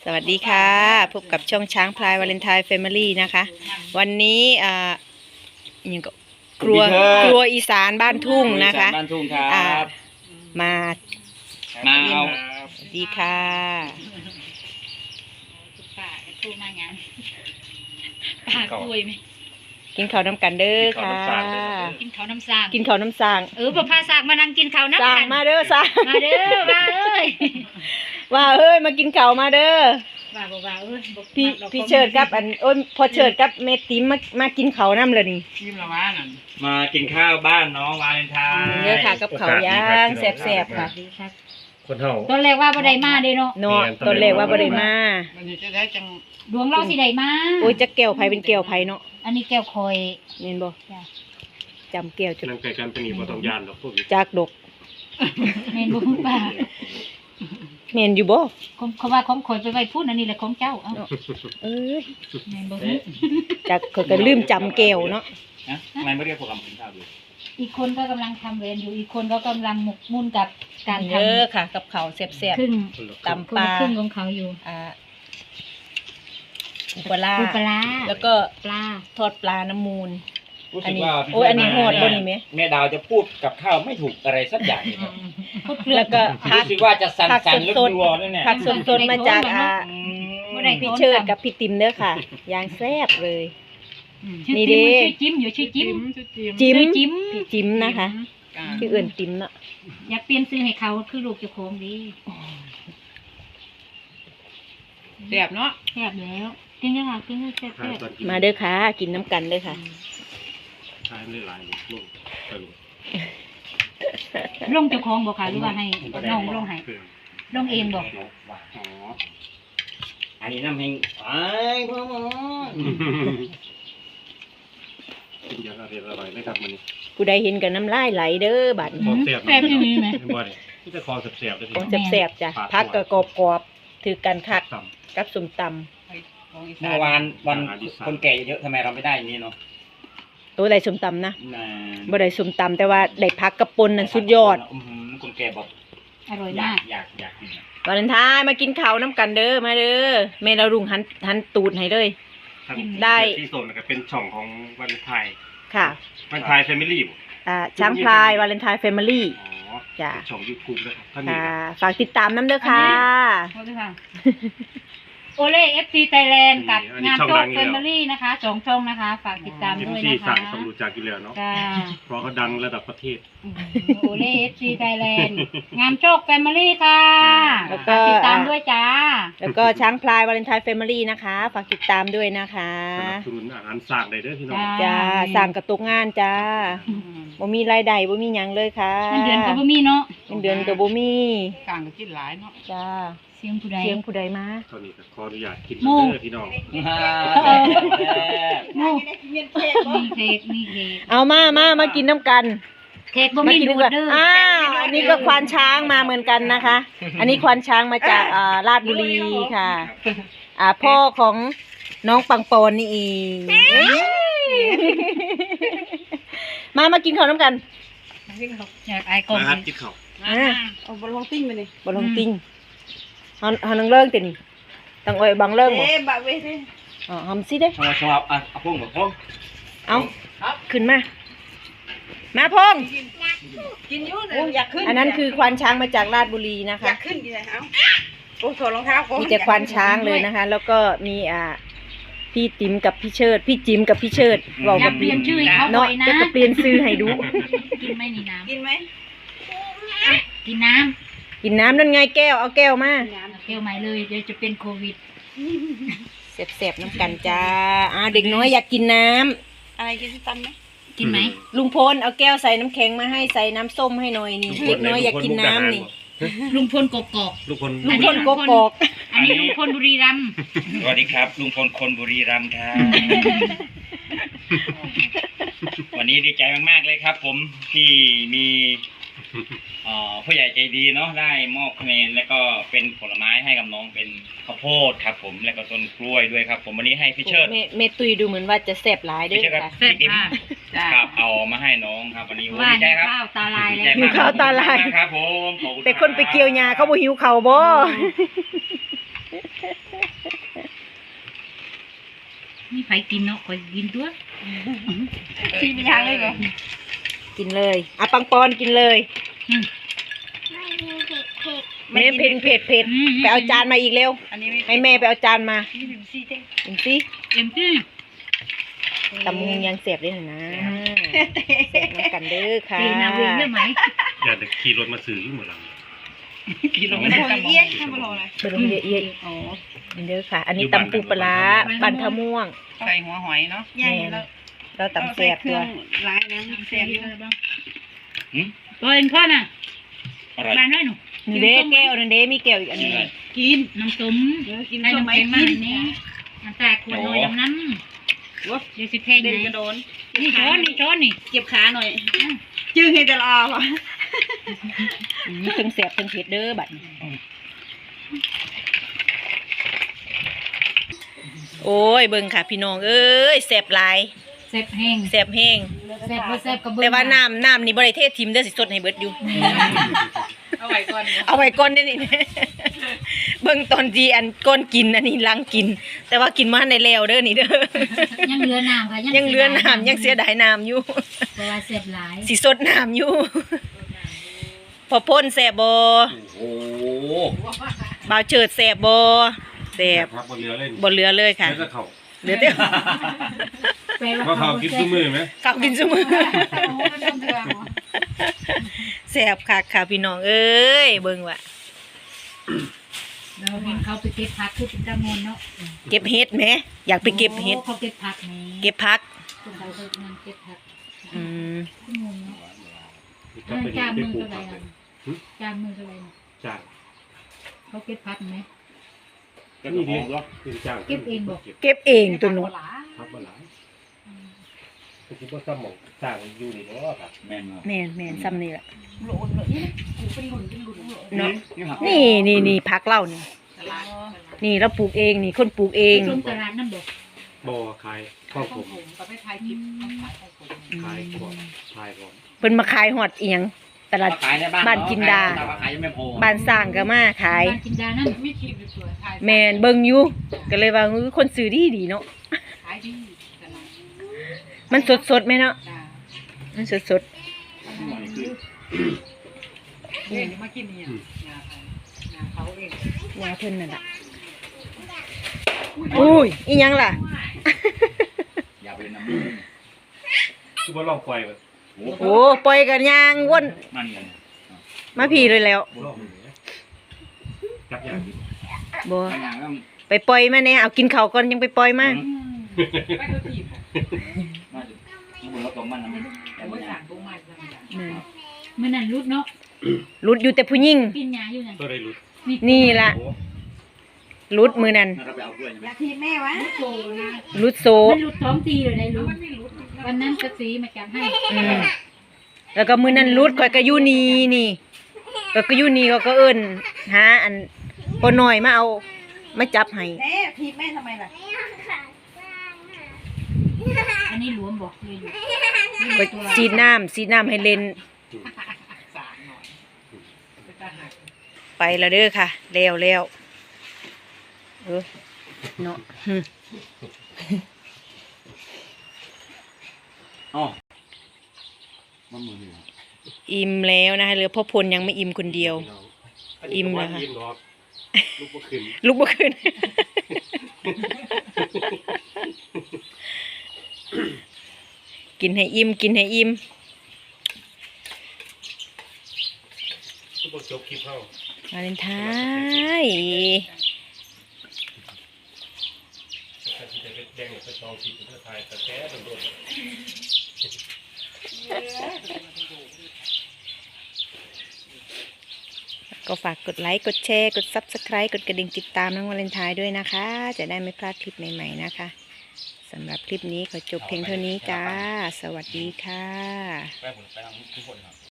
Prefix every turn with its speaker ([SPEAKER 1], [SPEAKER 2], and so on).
[SPEAKER 1] วัสดีค่ะพบกับช่องช้างพลายวาเลนไทน์แฟมิลี่นะคะวันนี้ยังก็ครัวอีสานบ้านทุ่งนะคะ
[SPEAKER 2] บ้านทุ่งครับ
[SPEAKER 1] มา
[SPEAKER 2] เอา
[SPEAKER 1] สวัสดีค่ะ
[SPEAKER 3] ป้าทูมาอย่างป้าคุยไหม
[SPEAKER 1] กินข้าวน้ำกันเด้อค่ะ
[SPEAKER 3] กินข้าวน้ำสาง
[SPEAKER 1] กินข้าวน้ำสาง
[SPEAKER 3] บ่พาสางมานั่งกินข้าวน้ำ
[SPEAKER 1] สาง
[SPEAKER 3] กัน
[SPEAKER 1] มาเด้อสาง
[SPEAKER 3] มาเด้อมาเอ้ย
[SPEAKER 1] ว่าเอ้ยมากินข้าวมาเด้อ
[SPEAKER 3] ว่าบ่ว่าเอ้ย
[SPEAKER 1] พี่เชิดกับพอเชิดกับเมติมมากินข้าวน้ำเลยนี่
[SPEAKER 3] ยิ้มละว่านั่น
[SPEAKER 2] มากินข้าวบ้านน้องวาเลนไทน์
[SPEAKER 1] เด้อค่ะกับข้าวย่างแซ่บๆค่ะ
[SPEAKER 4] คนเฮา
[SPEAKER 3] ตอนแรกว่าบ่ได้มาเด้เนาะ
[SPEAKER 1] เนาะตอนแรกว่าบ่ได้มา
[SPEAKER 3] วันนี้จะได้จังดวงเราสิได้มา
[SPEAKER 1] โอ้ยจะแก้วไผเป็นแก้วไผเนาะ
[SPEAKER 3] อันนี้แก้วคอย
[SPEAKER 1] เห็นบ่จำแก้วจุด
[SPEAKER 4] นำไก่กันเป็นอีบ่ต้องย่านดอกพวกนี้
[SPEAKER 1] จากดก
[SPEAKER 3] แม่นบ่ป้า
[SPEAKER 1] เห็นอยู่บ่
[SPEAKER 3] เขาว่าของคอยไปไว้พูดอันนี้แหละของเจ้าเอ้า
[SPEAKER 1] เอ้ย
[SPEAKER 3] แม่นบ่
[SPEAKER 1] จากเขาก็ลืมจำแก้วเนาะ
[SPEAKER 2] นะทำไมไม่เรียกพวกเรามากินข้าวดู
[SPEAKER 3] อีกคนก็กำลังทำเวรอยู่อีกคนก็กำลังหมกมุ่นกับการท
[SPEAKER 1] เออค่ะ กับข้าวแซ่บ
[SPEAKER 3] ำครึ่ง
[SPEAKER 1] ตำปลา
[SPEAKER 3] ครึ่งของเขาอยู่
[SPEAKER 1] อุปลา
[SPEAKER 3] ปูปลา
[SPEAKER 1] แล้วก็
[SPEAKER 3] ปลา
[SPEAKER 1] ทอดปลาน้ำมูล
[SPEAKER 2] รู้สึกว่า
[SPEAKER 1] โอ้ยอันนี้โหดบ่นี่แม่
[SPEAKER 2] แม่ดาวจะพูดกับข้าวไม่ถูกอะไรสักอย่างเลยครับ
[SPEAKER 3] พูดเกลือ
[SPEAKER 1] แล้วก็ผัก
[SPEAKER 2] รู้สึกว่าจะสั่
[SPEAKER 1] ผัก
[SPEAKER 2] นๆลึก
[SPEAKER 1] สด
[SPEAKER 2] รัวด้วยเนี่ย
[SPEAKER 1] ผักสดๆมาจาก
[SPEAKER 2] อืม
[SPEAKER 1] พี่เชิดกับพี่ติ๋มเด้อค่ะยางแซ่บเลย
[SPEAKER 3] ชื่อ
[SPEAKER 1] นี่
[SPEAKER 3] จิ้ม
[SPEAKER 1] ดิ
[SPEAKER 3] ชื่อจิ้มอยู่ชื่อจิ้ม
[SPEAKER 1] จิ้ม
[SPEAKER 3] ชื่อจิ้ม
[SPEAKER 1] พี่จิ้มนะคะชื่ออื่นติ๋มเนาะ
[SPEAKER 3] อยากเปลี่ยนซื้อให้เขาคือลูกเจ้าของดี
[SPEAKER 5] แซ่บเนาะ
[SPEAKER 3] แซ่บแล้วกินเลยค่ะกินเลยแซ่บ
[SPEAKER 4] ทานตอนกิน
[SPEAKER 1] มาเด้อค่ะกินน้ำกันเด้อค่ะ
[SPEAKER 4] ทานได้หลายลูกตลก
[SPEAKER 3] ลงเจ้าของบอกค่ะหรือว่าให้น้องลงให้ลงเองบอก
[SPEAKER 2] อ๋ออันนี้น้ำแห้งไอ้พ่อหมอ
[SPEAKER 4] กินอย่างอร่อยเลยครับมื้อนี้
[SPEAKER 1] ผู้ใดเห็นกับน้ำลายไหลเด้อบัดนี้
[SPEAKER 4] ของแซ่บ
[SPEAKER 3] แซ่บที่นี่ไหม
[SPEAKER 4] เห็นบ่นี่ที่จะคอแซ่บๆเด้อ
[SPEAKER 1] ของ
[SPEAKER 4] พี่
[SPEAKER 1] แซ่บๆจ้ะพักก็กรอบๆถือกันคัก
[SPEAKER 4] ต่ำ
[SPEAKER 1] กับส้มต
[SPEAKER 2] เมื่อวานวันคนแก่เยอะทำไมเราไม่ได้อย่างนี้เนาะ
[SPEAKER 1] ำตัวใดส้มตำนะ
[SPEAKER 2] น่ะ
[SPEAKER 1] บ่ได้ส้มตำแต่ว่าได้พักกระปนนั่นสุดยอด
[SPEAKER 2] คนแก่บอก
[SPEAKER 3] อร่อย
[SPEAKER 2] อยาม
[SPEAKER 3] าก ก
[SPEAKER 2] อยากกิน
[SPEAKER 1] วาเลนไทน์มากินข้าวน้ำกันเด้อมาเด้อแม่เราลุงหันตูดให้เลย ได้
[SPEAKER 4] ที่ส่วนก็เป็นช่องของวันไทย
[SPEAKER 1] ค่ะ
[SPEAKER 4] วันไทยแฟมิลี่บ่
[SPEAKER 1] ช้างพลายวาเลนไทน์แฟมิลี่
[SPEAKER 4] อ๋อ
[SPEAKER 1] จ้ะ
[SPEAKER 4] เป็นช่อง YouTube นะครับท่านนี้
[SPEAKER 1] ค่ะฝากติดตามน้ำเด้อค่ะ
[SPEAKER 3] โอเคค่ะโอเล่เอฟซีไทยแลนด์กับงานโจ๊กแฟมิลี่นะคะสองช่องนะคะ ฝากติดตาม
[SPEAKER 4] เอ็ม
[SPEAKER 3] ด้วย
[SPEAKER 4] ซี
[SPEAKER 3] นะ
[SPEAKER 4] สั่
[SPEAKER 3] คะ
[SPEAKER 4] งสมรู้จักอยู่แล้วเนาะ
[SPEAKER 3] จ้า
[SPEAKER 4] เพราะเขาดังระดับประเทศ
[SPEAKER 3] โอเล่เอฟซีไทยแลนด์งามโชคแฟมิลี่ค่ะ
[SPEAKER 1] แล้วก็
[SPEAKER 3] ฝากติดตามด้วยจ้า
[SPEAKER 1] แล้วก็ช้างพลายวาเลนไทน์แฟมิลี่นะคะ ฝากติดตามด้วยนะคะ
[SPEAKER 4] สนับสนุนอาหารสร้างได้เด้อพี่น้อง
[SPEAKER 1] จ้าสั่งกระตุกงานจ้าบ่มีรายได้บ่มีหยังเลยค่ะ
[SPEAKER 3] เงินเดือนก็บ่มีเนาะ
[SPEAKER 1] เงินเดือนก็บ่มี
[SPEAKER 5] กลางก็กินหลายเนาะ
[SPEAKER 1] จ้า
[SPEAKER 3] เสียงผู้ใด
[SPEAKER 1] เสียงผู้ใดมา
[SPEAKER 4] ตอนนี้ก็ขออนุญาตกิน
[SPEAKER 3] หมู่
[SPEAKER 4] เด้อพี่น้อง
[SPEAKER 3] โน่มีเค้กมีเค้ก
[SPEAKER 1] เอามากินน้ำกัน
[SPEAKER 3] เค้กบ่มี
[SPEAKER 1] กิ
[SPEAKER 3] ดู
[SPEAKER 1] กั
[SPEAKER 3] ดเด้อ
[SPEAKER 1] อ้าวอันนี้ก็ควานช้างมาเหมือนกันนะคะ อันนี้ควานช้างมาจากราชบุรีค่ะ พ่อของน้องปังปอนนี่เองมากินข้าวน้ำกัน
[SPEAKER 3] อยากอายก่อน
[SPEAKER 4] มาครับกินข้าว
[SPEAKER 5] เอาบอลลงติ้งไปเลย
[SPEAKER 1] บ่ลงติ้งเฮานังเลิงตินี่ต้องเอ้ยบังเลิงบ่
[SPEAKER 5] บะเว้ยเด้
[SPEAKER 1] อ๋อหอมสิเด้
[SPEAKER 2] ชอบชอบเอาพุ่งกับพุ่ง
[SPEAKER 1] เอาขึ้นมาพง
[SPEAKER 5] กินอยู่นะอยากขึ้น
[SPEAKER 1] อันนั้นคือควานช้างมาจากราชบุรีนะ
[SPEAKER 5] อ
[SPEAKER 1] คะ
[SPEAKER 5] ยากขึ้นกินเลยเอาโอ้ถอดรองเท้าก่อน
[SPEAKER 1] มีแต่ควานช้างเลยนะคะ แล้วก็มีพี่ติ๋มกับพี่เชิด พี่จิ๋มกับพี่เชิดบอก
[SPEAKER 3] อยา
[SPEAKER 1] กั
[SPEAKER 3] ก
[SPEAKER 1] บ
[SPEAKER 3] เปลี่ยนชื่อให้เขาบ่
[SPEAKER 1] เนาะ
[SPEAKER 3] อยนะ
[SPEAKER 1] จะเปลี่ยนซื้อให้ดู
[SPEAKER 3] กินไหมนี่น้
[SPEAKER 5] กินไหม
[SPEAKER 3] ำกินน้
[SPEAKER 1] กินน้ำนั่นไงแก้วเอาแก้วมา
[SPEAKER 3] ำเที่ยวใหม่เลยเดี๋ยวจะเป็นโควิด
[SPEAKER 1] เสบๆน้ำกันจ้าเด็กน้อยอยากกินน้ำ
[SPEAKER 5] อะไรกินที่ตันไหม
[SPEAKER 3] กินไหม
[SPEAKER 1] ลุงพลเอาแก้วใส่น้ำแข็งมาให้ใส่น้ำส้มให้หน่อยนี่เด็กน้อยอยากกินน้ำนี่
[SPEAKER 3] ลุงพลกกอก
[SPEAKER 4] ลูกคน
[SPEAKER 1] ลุงพลโกกอก
[SPEAKER 3] อันนี้ลุงพลบุรีรัมย์
[SPEAKER 2] สวัสดีครับลุงพลคนบุรีรัมย์ครับ วันนี้ดีใจมากๆเลยครับ ผมที่มีผู้ใหญ่ใจดีเนาะได้มอบคะแนนแล้วก็เป็นผลไม้ให้กับน้องเป็นข้าวโพดครับผมแล้วก็ต้นกล้วยด้วยครับ ผมวันนี้ให้พี่เชิด
[SPEAKER 1] เมตุยดูเหมือนว่าจะแสบหลายเด้
[SPEAKER 2] พี่
[SPEAKER 1] ว
[SPEAKER 2] เชิด
[SPEAKER 1] ย
[SPEAKER 2] ครับ
[SPEAKER 1] ค่ะ
[SPEAKER 2] พี่ติ๋มครับเอามาให้น้องครับวันนี้โอ้
[SPEAKER 3] ว่า
[SPEAKER 2] ดีใจครับ
[SPEAKER 3] ข้าวตาลาย
[SPEAKER 2] ดี
[SPEAKER 3] แล้
[SPEAKER 2] ใจ
[SPEAKER 3] ว
[SPEAKER 2] มก
[SPEAKER 1] หิวข้าวตาลาย
[SPEAKER 2] ขอบคุณมกครับผมขอบคุณ
[SPEAKER 1] แต่คนไปเกี่ยวหญ้าเขาบ่หิวข้าวบ่
[SPEAKER 3] นี่ไผกินเนาะข่อยกินตัว
[SPEAKER 5] ซีเป็นยังเลยเหรอ
[SPEAKER 1] กินเลยอ่ะปังปอนกินเลย
[SPEAKER 3] อืม
[SPEAKER 1] แม่เผ็ดเผ็ดเผ็ดไปเอาจานมาอีกเร็ว
[SPEAKER 5] อันนี้ไม่
[SPEAKER 1] ให้แม่ไปเอาจานมา
[SPEAKER 5] นี่เป็นซีเต้
[SPEAKER 1] กินสิ
[SPEAKER 3] เอ็มที่
[SPEAKER 1] ตำมุงยังเสียบได้หน่อยนะเสียบน้ำกันเด้อค่ะ
[SPEAKER 3] ตีนาเวงได้ไหม
[SPEAKER 4] อย่าแต่ขี่รถมาซื้ออยู่หมดแล้ว
[SPEAKER 2] กินลง
[SPEAKER 5] มั
[SPEAKER 2] ไม่
[SPEAKER 5] น
[SPEAKER 2] ได้
[SPEAKER 5] โหเอี้ยทำมาโหเลย
[SPEAKER 1] เปิดลงเยอะๆอ๋อนี่เด้อค่ะ อันนี้ตำปูปลาร้าบันทะม่วง
[SPEAKER 5] ใส่หัวหอยเนาะย่างแล้ว
[SPEAKER 1] เราตำแซ่บตัว
[SPEAKER 5] ร้ายนะแซ่บอยู่
[SPEAKER 3] ตัวเองพ่อน่ะ
[SPEAKER 2] อะไร
[SPEAKER 3] บ้านให้หนู
[SPEAKER 1] นี่เด้แก้วนั่นเด้มีแก้วอีกอันหนึง
[SPEAKER 3] กินน้ำส้ม
[SPEAKER 5] กิน
[SPEAKER 3] ให้
[SPEAKER 5] ต้ม
[SPEAKER 3] น้ำ
[SPEAKER 5] ไม้
[SPEAKER 3] แข็งมา
[SPEAKER 5] กิน
[SPEAKER 3] ให้นี่น้ำตาขวดน้อยน้ำน้ำเดี๋ยวสิแพง
[SPEAKER 5] เดิน
[SPEAKER 3] ไห
[SPEAKER 5] กระโดน
[SPEAKER 3] นี่ช้อนนี่ช้อนนี่
[SPEAKER 5] เก็บขาหน่อยจื้อให้ตลอดว่ะ
[SPEAKER 1] เพิ่งแซ่บเพิ่งเผ็ดเด้อบัดนี้โอ้ยเบิ่งค่ะพี่น้องเอ้ยแซ่บหลาย
[SPEAKER 3] แซ่บแห้ง
[SPEAKER 1] แซ่บแห้ง
[SPEAKER 3] แซ่บบ่แซ่บก็เบิ่ง
[SPEAKER 1] แต่ว่าน้ำนี่บ่ได้เททิมเด้อสิสดให้เบิดอยู่
[SPEAKER 5] เอาไว้ก่อน
[SPEAKER 1] เอาไว้ก่อนได้อนี่ เบิ่งตอนที่อันก้นกินอันนี้ล้างกิน แต่ว่ากินมาในแล้วเด้อนี่เด้อ
[SPEAKER 3] ยังเหลือน้ำค่ะ
[SPEAKER 1] ยังเหลือน้ำยังเสียดายน้ำอยู่
[SPEAKER 3] เพราะว่าแซ่บหลาย
[SPEAKER 1] สิสดน้ำอยู่ พอพ่นแสบบ่
[SPEAKER 2] โอ้โห
[SPEAKER 1] บ่าวเฉิดแสบบ่แสบ
[SPEAKER 4] พักบนเรือเล่น
[SPEAKER 1] บ่เหลือเลยค่ะ
[SPEAKER 4] แล้วก็เขา
[SPEAKER 1] เหลือแต่
[SPEAKER 3] แปล
[SPEAKER 4] ว่าเขากินซุ้มือไหม
[SPEAKER 1] ข้าวกินซุมื้อแสบคักค่ะพี่น้องเอ้ยเบิ่งว่า
[SPEAKER 3] เราเห็นเขาไปเก็บผักคือเป็นตะมนเนาะ
[SPEAKER 1] เก็บเห็ดแหมอยากไปเก็บเห็ด
[SPEAKER 3] เขาเก็บผักแหม
[SPEAKER 1] เก็บผัก
[SPEAKER 3] คนเขาไปนั่นเก็บผัก
[SPEAKER 1] อืม
[SPEAKER 3] ชั่วโมงเนาะ
[SPEAKER 4] ก็เป็น
[SPEAKER 3] จาน
[SPEAKER 4] ได้
[SPEAKER 3] มือ
[SPEAKER 4] ปลูก
[SPEAKER 3] เท่าไหร่
[SPEAKER 4] ผักเล
[SPEAKER 3] น่ะ
[SPEAKER 4] ย
[SPEAKER 3] จานมือเท่าไหร่น่ะ
[SPEAKER 4] จ้าง
[SPEAKER 3] เขาเก็บผักไหม
[SPEAKER 2] ก็นี่ดิ
[SPEAKER 4] เป็นจ้าง
[SPEAKER 3] เก็บเองบ่
[SPEAKER 1] เก็บเองตัวหนู
[SPEAKER 4] พักมาหลายก็คิดว่าซ้ำหมองจ้างอยู่นี่เนาะครับ
[SPEAKER 2] แม่นเนาะ
[SPEAKER 1] แม่นซ้ำนี่ล่ะ
[SPEAKER 5] โหลดเลยกูเป็นหลุน
[SPEAKER 1] เนาะ
[SPEAKER 2] นี่ครับ
[SPEAKER 1] นี่ผักเล่านี่นี่เราปลูกเองนี่คนปลูกเอง
[SPEAKER 3] ไปชมตลาดน้ำบ่
[SPEAKER 4] บ่อขายข้าวผม
[SPEAKER 5] ก็ไปถ่ายคลิปขายของผม
[SPEAKER 4] ขายก่อนขายก่อน
[SPEAKER 1] เพิ่นมาขายฮอดอีหยังตลาด
[SPEAKER 2] ขายในบ้าน
[SPEAKER 1] บ้านจินดา
[SPEAKER 2] แต่ว่าขายยังไม่พอ
[SPEAKER 1] บ้านสร้างก็มาขาย
[SPEAKER 3] บ้านจินดานั่น
[SPEAKER 5] มีคลิปสวยถ่าย
[SPEAKER 1] แม่นเบิ่งอยู่ก็เลยว่าคนซื้อดีเนาะ
[SPEAKER 5] ขายดีตลาด
[SPEAKER 1] มันสดๆแม่เนาะ
[SPEAKER 5] จ้า
[SPEAKER 1] มันสด
[SPEAKER 5] เนี่ยมากินเนี่ยงาเขาเอง
[SPEAKER 1] ๆยาเพิ่นนั่นล่ะอุ้ยอีหยังล่ะ
[SPEAKER 2] อย่าไปน้ำมือ
[SPEAKER 4] คือว่าลองปล่อยมัน
[SPEAKER 2] โอ้โห
[SPEAKER 1] โอ้ปล่อยกันยางวน
[SPEAKER 2] มันเลย
[SPEAKER 1] มาพี่เลยแล้ว
[SPEAKER 4] ลองอย่างเงี้ยจับอย่างนี้
[SPEAKER 1] บ่
[SPEAKER 2] บางอย่างก็
[SPEAKER 1] ไปปล่อยมาแน่เอากินข้าวก่อนยังไปปล่อยมา
[SPEAKER 5] ไปดูทีม
[SPEAKER 2] น่าจะมันรถตรงมันนะมัน
[SPEAKER 5] แต่ว่าสั่งบุ้งมาสั่ง
[SPEAKER 3] มื้อนั้นรุดเนาะ
[SPEAKER 1] รุดอยู่แต่ผู้หญิง
[SPEAKER 3] กินหญ้าอยู่นั่น
[SPEAKER 4] ก็ได้รู้
[SPEAKER 1] นี่ล่ะ
[SPEAKER 4] โอ้
[SPEAKER 1] รุดมือนั้น
[SPEAKER 2] เราไปเอากล้วยใช่ไหม
[SPEAKER 5] อยากทีแม่วะโตนะ
[SPEAKER 1] รุดโซ
[SPEAKER 3] มันรุดท้องทีเลยได้รุด
[SPEAKER 5] มันไม่รู้
[SPEAKER 3] วันนั้นกระสีมาจัดให้
[SPEAKER 1] อืมแล้วก็มือนั้นรุดข่อยก็อยู่นี่ก็อยู่นี่ก็เอิ้นหาอันปอน้อยมาเอามาจับให้
[SPEAKER 5] แม่ทีแม่ทำไมล่ะ
[SPEAKER 3] อันนี้หลวมบอกเลยอยู่
[SPEAKER 1] ก็สีดน้ำให้เล่น
[SPEAKER 5] สารหน่อยไปตาหัก
[SPEAKER 1] ไปแล้วเด้อค่ะแล้วเนาะ
[SPEAKER 2] อ๋อมันมือหนึ่ง
[SPEAKER 1] อิ่มแล้วนะคะเหลือพ่อพลยังไม่อิ่มคนเดียว อิ่มแล้วค่ะ
[SPEAKER 4] อิ่มหรอกลูกบ่ขึ้น
[SPEAKER 1] ลุกบ่ขึ้น กินให้อิ่ม
[SPEAKER 4] ลูกบ่จบคลิปเฮาว
[SPEAKER 1] าเลนไทน์
[SPEAKER 4] ถ้าสิได้ไปแจ้งไปจองคลิปเพื่อถ่ายแต่แท้โดนๆ
[SPEAKER 1] ก็ฝากกดไลค์ กดแชร์ กด Subscribe กดกระดิ่งติดตามน้องวาเลนไทน์ด้วยนะคะ จะได้ไม่พลาดคลิปใหม่ๆนะคะสำหรับคลิปนี้ขอจบเพียงเท่านี้จ้า สวัสดีค่ะ
[SPEAKER 2] ไปผมไปทำทุกคนครับ